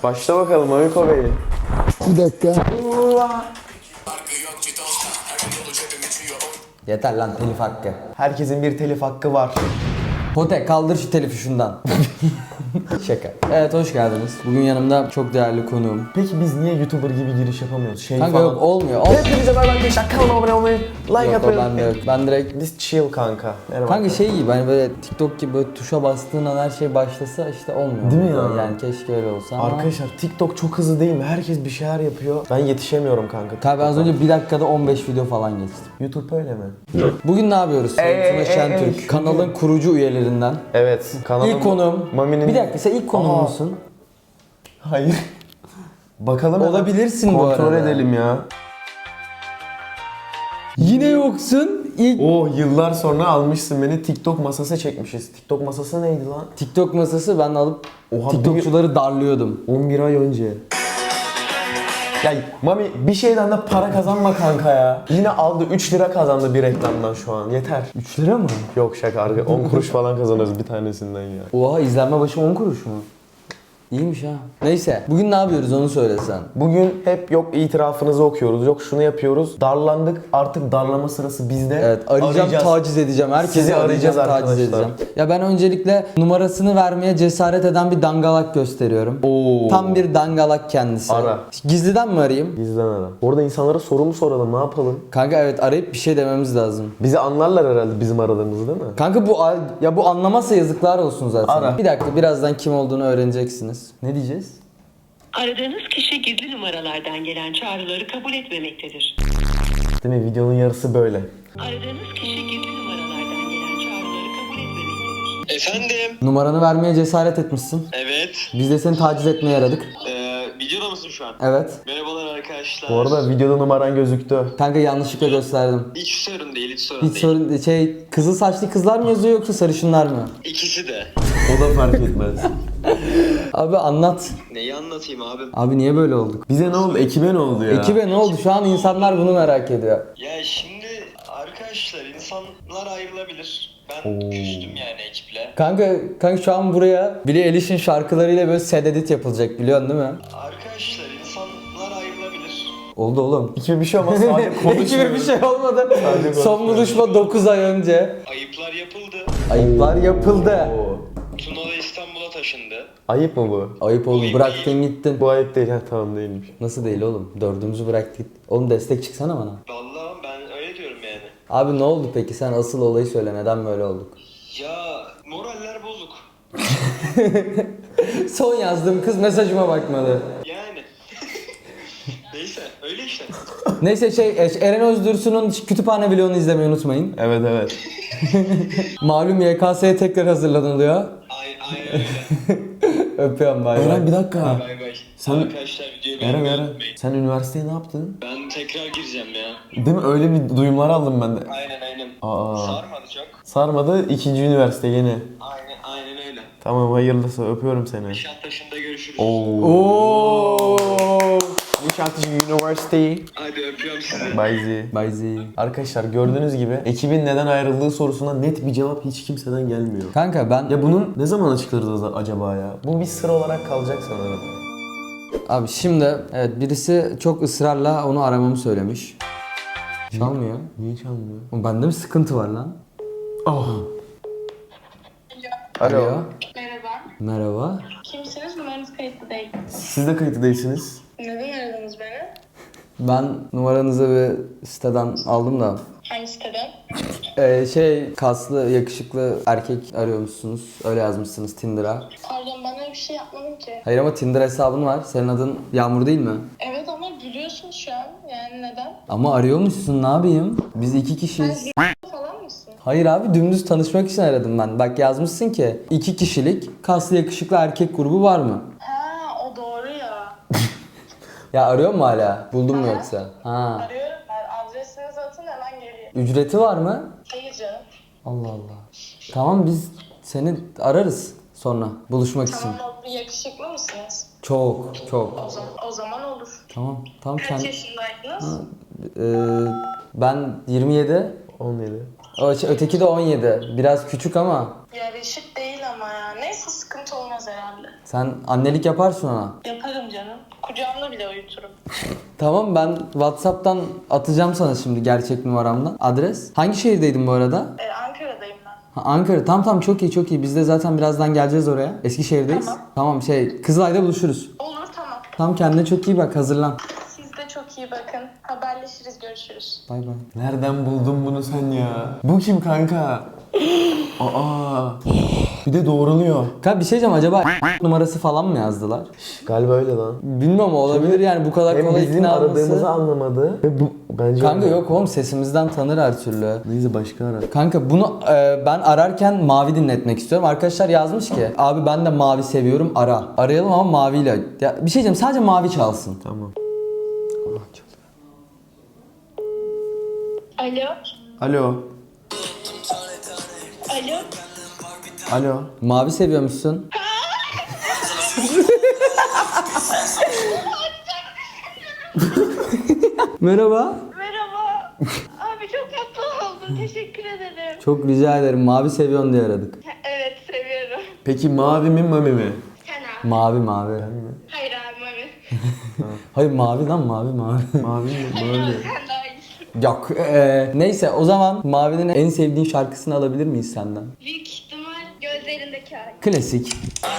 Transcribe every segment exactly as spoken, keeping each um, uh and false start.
Başla bakalım Amiko Bey. Bir dakika. Yeter lan telif hakkı. Herkesin bir telif hakkı var. Potek kaldır şu telifi şundan. Şaka. Evet hoş geldiniz. Bugün yanımda çok değerli konuğum. Peki biz niye YouTuber gibi giriş yapamıyoruz? Şey Kanka falan. yok olmuyor. Ol- Hepinize merhaba arkadaşlar. Kanalıma abone olmayı, like yok o atmayı bende yok. Ben direkt Biz chill kanka. Merhaba. Kanka şey gibi hani böyle TikTok gibi böyle tuşa bastığın an her şey başlasa işte olmuyor. Değil mi ya? Yani keşke öyle olsa ama. Arkadaşlar TikTok çok hızlı değil mi? Herkes bir şeyler yapıyor. Ben yetişemiyorum kanka. Kanka ben az önce bir dakikada on beş video falan geçtim. YouTube öyle mi? Bugün ne yapıyoruz? Ey, Tuna ey, Şentürk. ey. Kanalın kurucu üyelerinden. Evet. Kanalım. İlk konuğum. Mami'nin... Bir dakika sen ilk konuğum Aa. musun? Hayır. Bakalım. Olabilirsin bu Kontrol arada. edelim ya. Yine yoksun. İlk Oo yıllar sonra almışsın beni, TikTok masası çekmişiz. TikTok masası neydi lan? TikTok masası ben alıp Oha, TikTokçuları darlıyordum. on bir ay önce. Ya Mami bir şeyden de para kazanma kanka ya. Yine aldı üç lira kazandı bir reklamdan şu an. Yeter. üç lira mı? Yok şaka arka on kuruş falan kazanıyoruz bir tanesinden ya. Oha izlenme başı on kuruş mu? İyiymiş ha. Neyse bugün ne yapıyoruz onu söylesen. Bugün hep yok itirafınızı okuyoruz, yok şunu yapıyoruz. Darlandık, artık darlama sırası bizde. Evet arayacağım, Arayacağız. taciz edeceğim. Herkesi Sizi arayacağım, arayacağız taciz arkadaşlar. edeceğim. Ya ben öncelikle numarasını vermeye cesaret eden bir dangalak gösteriyorum. Oo. Tam bir dangalak kendisi. Ara. Gizliden mi arayayım? Bizden ara. Orada insanlara soru mu soralım, ne yapalım? Kanka evet arayıp bir şey dememiz lazım. Bizi anlarlar herhalde bizim aradığımızı değil mi? Kanka bu ya bu anlamazsa yazıklar olsun zaten. Ara. Bir dakika birazdan kim olduğunu öğreneceksiniz. Ne diyeceğiz? Aradığınız kişi gizli numaralardan gelen çağrıları kabul etmemektedir. Değil mi? Videonun yarısı böyle. Aradığınız kişi gizli numaralardan gelen çağrıları kabul etmemektedir. Efendim? Numaranı vermeye cesaret etmişsin. Evet. Biz de seni taciz etmeye yaradık. Ee, videoda mısın şu an? Evet. Merhabalar arkadaşlar. Bu arada videoda numaran gözüktü. Kanka yanlışlıkla gösterdim. Hiç sorun değil, hiç sorun Hiç değil. sorun şey kızıl saçlı kızlar mı yazıyor yoksa sarışınlar mı? İkisi de. O da fark etmez. Abi anlat. Neyi anlatayım abi? Abi niye böyle olduk? Bize ne oldu? Ekibe ne oldu ya? Ekibe ne oldu? Şu an insanlar bunu merak ediyor. Ya şimdi arkadaşlar insanlar ayrılabilir. Ben küstüm yani ekiple. Kanka, kanka şu an buraya Billie Eilish'in şarkılarıyla böyle set edit yapılacak biliyorsun değil mi? Arkadaşlar insanlar ayrılabilir. Oldu oğlum. Ekibe bir şey olmaz sadece konuşuyoruz. Ekibe bir şey olmadı. Sadece Son konuşuyoruz. buluşma dokuz ay önce. Ayıplar yapıldı. Ayıplar yapıldı. Oo. Tuna da İstanbul'a taşındı. Ayıp mı bu? Ayıp oldu. Ayıp Bıraktın değil. gittin. Bu ayıp değil. Ha tamam değilmiş. Nasıl değil oğlum? Dördümüzü bıraktık. Oğlum destek çıksana bana. Vallahi ben öyle diyorum yani. Abi ne oldu peki? Sen asıl olayı söyle. Neden böyle olduk? Ya moraller bozuk. Son yazdığım kız mesajıma bakmadı. Yani. Neyse öyle işte. Neyse şey Eren Özdürsu'nun kütüphane vlogunu izlemeyi unutmayın. Evet evet. Malum Y K S'ye tekrar hazırlanılıyor. Ay, aynen öyle. Öpüyorum bay bay. Eren bir dakika. Bay bay. Sen- Arkadaşlar videoyu Eren beğenmeyi Eren. unutmayın. Sen üniversiteye ne yaptın? Ben tekrar gireceğim ya. Değil mi? Öyle bir duyumlar aldım ben de. Aynen aynen. Aa. Sarmadı çok. Sarmadı. ikinci üniversite yeni. Aynen aynen öyle. Tamam hayırlısı. Öpüyorum seni. Nişantaşı'nda görüşürüz. Oo. Nişantaşı University. Hadi öpüyorum sizi. Bye Z. Bye Z. Arkadaşlar gördüğünüz gibi ekibin neden ayrıldığı sorusuna net bir cevap hiç kimseden gelmiyor. Kanka ben Ya bunun ne zaman açıklarız acaba ya? Bu bir sır olarak kalacak sanırım. abi şimdi evet birisi çok ısrarla onu aramamı söylemiş. Çalmıyor. Niye çalmıyor? Oğlum bende mi sıkıntı var lan? Oh. Alo. Alo. Merhaba. Merhaba. Kimsiniz? Numaranız kayıtlı değil. Siz de kayıtlı değilsiniz. Neden aradınız beni? Ben numaranızı bir siteden aldım da. Hangi siteden? Ee, şey kaslı yakışıklı erkek arıyormuşsunuz. Öyle yazmışsınız Tinder'a. Pardon ben öyle bir şey yapmadım ki. Hayır ama Tinder hesabın var. Senin adın Yağmur değil mi? Evet ama gülüyorsun şu an. Yani neden? Ama arıyormuşsun ne yapayım? Biz iki kişiyiz. Sen falan mısın? Hayır abi dümdüz tanışmak için aradım ben. Bak yazmışsın ki iki kişilik kaslı yakışıklı erkek grubu var mı? Ha o doğru ya. Ya arıyor mu hala? Buldun mu yoksa? Ha. Arıyorum ben. Adresinizi atın hemen geliyor. Ücreti var mı? Hayır canım. Allah Allah. Tamam biz seni ararız sonra buluşmak için. Tamam oldu. Yakışıklı mısınız? Çok çok. O zaman, o zaman olur. Tamam. Tamam Kaç kendi... yaşındaydınız? Ee, ben yirmi yedi. on yedi. O, şey, öteki de on yedi. Biraz küçük ama Yarışık değil ama ya. Neyse sıkıntı olmaz herhalde. sen annelik yaparsın ona. Yaparım canım. Kucağımda bile uyuturum. Tamam, ben WhatsApp'tan atacağım sana şimdi gerçek numaramdan. Adres. Hangi şehirdeydin bu arada? Ee, Ankara'dayım ben. Ha, Ankara. Tamam tamam, çok iyi çok iyi. Biz de zaten birazdan geleceğiz oraya. Eskişehir'deyiz. Tamam. Tamam şey, Kızılay'da buluşuruz. Olur, tamam. Tamam, kendine çok iyi bak, hazırlan. Siz de çok iyi bakın. Haberleşiriz, görüşürüz. Bay bay. Nereden buldun bunu sen ya? Bu kim kanka? Aa. Bir de doğruluyor. Kanka bir şey diyeceğim, acaba numarası falan mı yazdılar? Galiba öyle lan. Bilmiyorum, olabilir yani, bu kadar Hem kolay bizim ikna aradığımızı olması. anlamadı ve bu bence Kanka olmadı. yok oğlum, sesimizden tanır her türlü. Neyse başka ara. Kanka bunu e, ben ararken mavi dinletmek istiyorum. Arkadaşlar yazmış ki abi ben de mavi seviyorum, ara. Arayalım ama maviyle. Ya bir şey diyeceğim, sadece mavi çalsın. Tamam. Alo. Alo. Alo. Alo. Mavi seviyormuşsun. Merhaba. Merhaba. Abi çok mutlu oldum. Teşekkür ederim. Çok rica ederim, mavi seviyorsun diye aradık. Evet, seviyorum. Peki mavi mi mami mi? Sen abi. Mavi mavi. Hayır abi, mami. Hayır mavi lan, mavi mavi. Mavi mi? Hayır Mavi. abi, sen daha iyisin. Yok. eee, neyse o zaman Mavi'nin en sevdiğin şarkısını alabilir miyiz senden? Büyük ihtimal gözlerindeki ay. Klasik.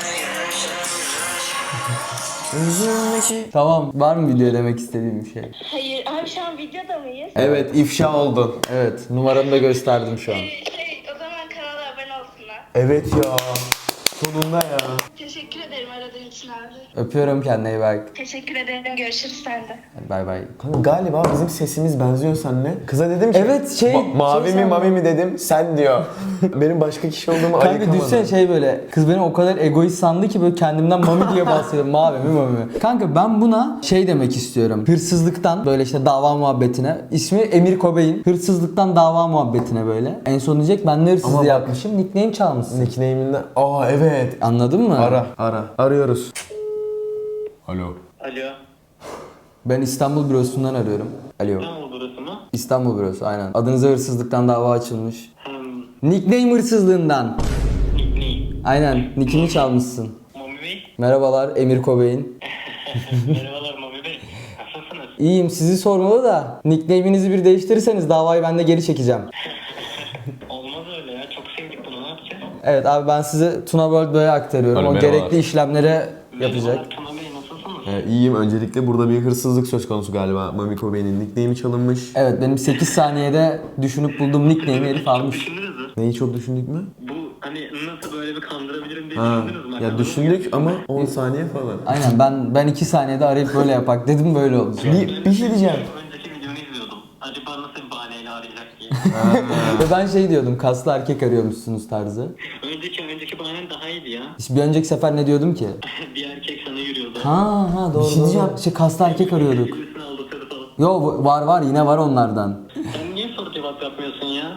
Tamam, var mı video demek istediğim bir şey? Hayır abi, şu an videoda mıyız? Evet, ifşa oldun. Evet, numaramı da gösterdim şu an. Ee, şey, o zaman kanala abone olsunlar. Evet ya. Sonunda ya. Teşekkür ederim aradığın için abi. Öpüyorum, kendine iyi bak. Teşekkür ederim. Görüşürüz sen de. Hadi bay bay. Kanka galiba bizim sesimiz benziyor seninle. Kıza dedim ki Evet, şey- "Ma- mavi şey mi sen- mami mi dedim, sen diyor. Benim başka kişi olduğumu Kanka ayıkamadım. düşsene şey böyle, kız beni o kadar egoist sandı ki böyle kendimden mami diye bahsediyorum. Mavi mi mami mi? Kanka ben buna şey demek istiyorum. Hırsızlıktan böyle işte dava muhabbetine. İsmi Emir Kobeyin. Hırsızlıktan dava muhabbetine böyle. En son diyecek ben ne hırsızlığı Ama bak- yapmışım. Nickname çalmışsın. Nickname'inden. Aa evet. Anladın mı? Ara, ara. Arıyoruz. Alo. Alo. Ben İstanbul bürosundan arıyorum. Alo. İstanbul burası mı? İstanbul bürosu aynen. Adınıza hırsızlıktan dava açılmış. Hmm. Nickname hırsızlığından. Nickname. Aynen. Nickini çalmışsın. Mami Bey. Merhabalar Emir Kobeyin. Merhabalar Mami Bey. Nasılsınız? İyiyim, sizi sormalı da nickname'inizi bir değiştirirseniz davayı ben de geri çekeceğim. Olmaz öyle ya. Çok sevdik bunu. Ne yapacağız? Evet abi, ben sizi Tuna World Bey'e aktarıyorum. Alo, O merhabalar. gerekli işlemleri yapacak. Merhabalar Tuna Bey. Nasılsınız? Ee, iyiyim. Öncelikle burada bir hırsızlık söz konusu galiba. Mami Kobe'nin nickname'i çalınmış. Evet, benim sekiz saniyede düşünüp bulduğum nickname'i herif almış. Düşündünüz mü? Neyi çok düşündük mü? Bu hani nasıl böyle bir kandırabilirim diye Ha. düşündünüz mü? Ya Aklınıza düşündük ama on saniye falan. Aynen, ben ben iki saniyede arayıp böyle yapak dedim, böyle oldu. Bir, bir şey diyeceğim. Önceki videonu izliyordum. Acaba nasıl bir bahaneyle arayacak diye. Ve ben şey diyordum, kaslı erkek arıyormuşsunuz tarzı. önceki önceki bahanen daha iyiydi ya. İşte bir önceki sefer ne diyordum ki? bir erkek sana yürüyordu. Ha ha doğru Bir şey doğru. diyeceğim. İşte kaslı erkek arıyorduk. Birisini aldatıyordu falan. Yo, var var, yine var onlardan. Sen niye soru cevap yapmıyorsun ya?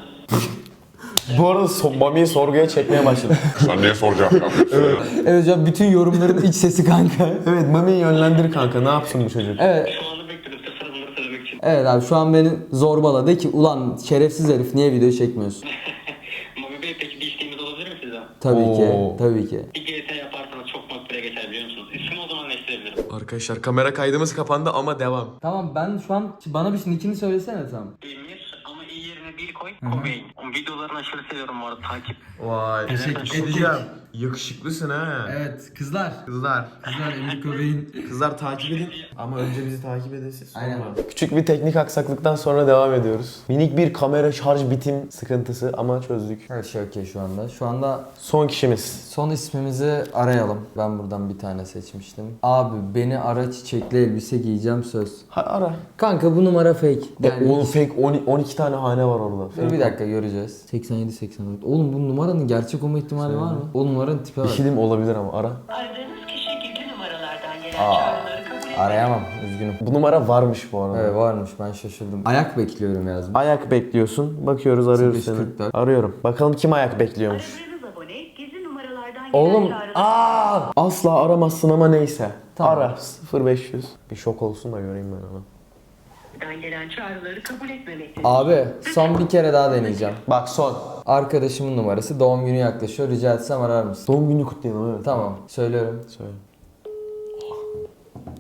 Bu arada so Mami'yi sorguya çekmeye başladı. Sen niye soru cevap yapıyorsun? Evet hocam, bütün yorumların iç sesi kanka. Evet, Mami'yi yönlendir kanka. Ne yapsın bu çocuk? Evet. Şu anda bekliyorum size bunları söylemek için. Evet abi, şu an beni zorbaladı. De ki ulan şerefsiz herif, niye video çekmiyorsun? Mami Bey peki bir isteğimiz olabilir mi sizden? Tabii ki, Oo. tabii ki. Bir G T yaparsanız çok makbule geçer biliyor musunuz? İsmi o zaman değiştirebilirim. Arkadaşlar kamera kaydımız kapandı ama devam. Tamam, ben şu an bana bir nickini söylesene tam. Emir ama iyi yerine bil koy. Kobeyin. Videolarını aşırı seviyorum bu arada takip. Vay. Teşekkür edeceğim. Yakışıklısın ha. Evet kızlar. Kızlar. Kızlar Emir Kobeyin. Kızlar takip edin. Ama önce bizi takip edin siz. sonra. Aynen. Küçük bir teknik aksaklıktan sonra devam ediyoruz. Minik bir kamera şarj bitim sıkıntısı ama çözdük. Her şey okey şu anda. Şu anda Son kişimiz. son ismimizi arayalım. Ben buradan bir tane seçmiştim. Abi beni ara, çiçekli elbise giyeceğim söz. Ha, ara. Kanka bu numara fake. Yani oğlum fake on- on iki tane hane var orada. Dur Fake bir dakika, göreceğiz. seksen yedi seksen dört. Oğlum bu numaranın gerçek olma ihtimali var mı? O numaranın tipe Bir var. şey diyeyim, olabilir ama ara. Aradığınız kişi gizli numaralardan gelen Aa, çağrıları kabul etmez. Arayamam, üzgünüm. Bu numara varmış bu arada. Evet varmış, ben şaşırdım. Ayak bekliyorum yazmış. Ayak bekliyorsun. Bakıyoruz, arıyoruz seni. kırk dört. Arıyorum. Bakalım kim ayak bekliyormuş. Aradığınız abone gizli numaralardan gelen Oğlum, çağrıları... Aa! Asla aramazsın ama neyse. Tamam. Ara. sıfır beş yüz. Bir şok olsun da göreyim ben onu. Dan gelen çağrıları kabul etmemektedir. Abi son bir kere daha deneyeceğim. Bak son. Arkadaşımın numarası, doğum günü yaklaşıyor. Rica etsem arar mısın? Doğum günü kutlayalım evet. Tamam, söylüyorum. Söyle.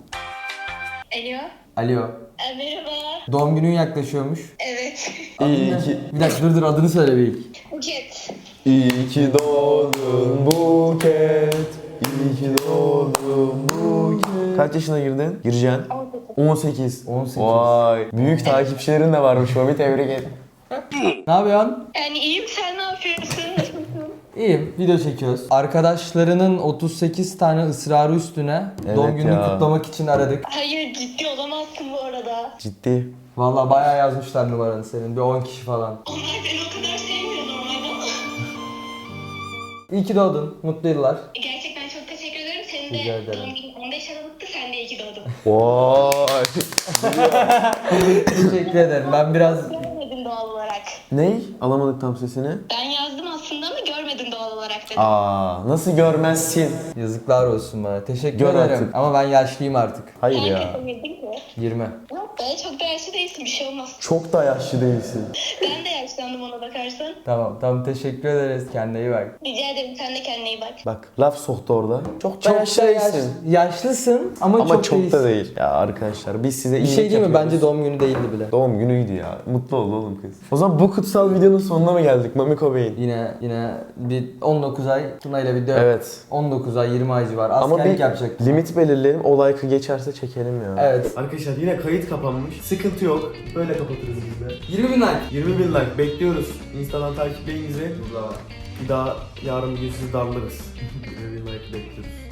Alo. Alo. Ee, merhaba. Doğum günün yaklaşıyormuş. Evet. İyi Ne? ki, Bir dakika dur dur adını söyle bir ilk. Buket. iyi ki doğdun Buket. İyi ki doğdun Buket. Kaç yaşına girdin? Gireceksin. on sekiz. on sekiz. Vay. Büyük takipçilerin de varmış. Mami tebrik et. Ne yapıyorsun? Yani iyiyim, sen ne yapıyorsun? İyiyim. Video çekiyoruz. Arkadaşlarının otuz sekiz tane ısrarı üstüne Evet doğum gününü ya. kutlamak için aradık. Hayır, ciddi olamazsın bu arada. Ciddi. Vallahi bayağı yazmışlar numaranı senin. Bir on kişi falan. Onlar beni o kadar sevmiyor normalde. İyi ki doğdun. Mutlu yıllar. Gerçekten çok teşekkür ederim. Senin Rica de ederim. doğum günün on beş Aralık'tı, sen de iyi ki doğdun. Vay. Teşekkür ederim. Ben biraz Görmedim doğal olarak. Ney? Alamadık tam sesini. Ben yazdım aslında ama görmedim doğal olarak dedim. Aa, nasıl görmezsin? yazıklar olsun bana. Teşekkür Gör ederim. artık. Ama ben yaşlıyım artık. Hayır Sen ya. yapabildin ki. yirmi. Yok be, çok da yaşlı değilsin, bir şey olmaz. Çok da yaşlı değilsin. Ben de yaşlandım ona bakarsan. Tamam tamam teşekkür ederiz. Kendine iyi bak. Rica ederim, sen de kendine iyi bak. Bak laf soktu orada. Çok da Çok yaşlı da değilsin. yaş- yaşlısın ama, Ama çok, çok, değilsin. da değil. Ya arkadaşlar biz size Bir iyilik şey değil mi? yapıyoruz. Bence doğum günü değildi bile. Doğum günüydü ya. Mutlu ol oğlum kız. O zaman bu kutsal videonun sonuna mı geldik Mami Cobain? Yine yine bir on dokuz ay Tuna ile video. Evet. on dokuz ay yirmi ay civarı. Ama Askerlik bir yapacak. limit belirleyelim. O like'ı geçerse çekelim ya. Evet. Arkadaşlar yine kayıt kapanmış. Sıkıntı yok. Böyle kapatırız biz de. yirmi bin like. yirmi bin like bekliyoruz. Instagram takipleyin bizi. Bir daha yarın bir gün sizi darlarız. yirmi bin like bekliyoruz.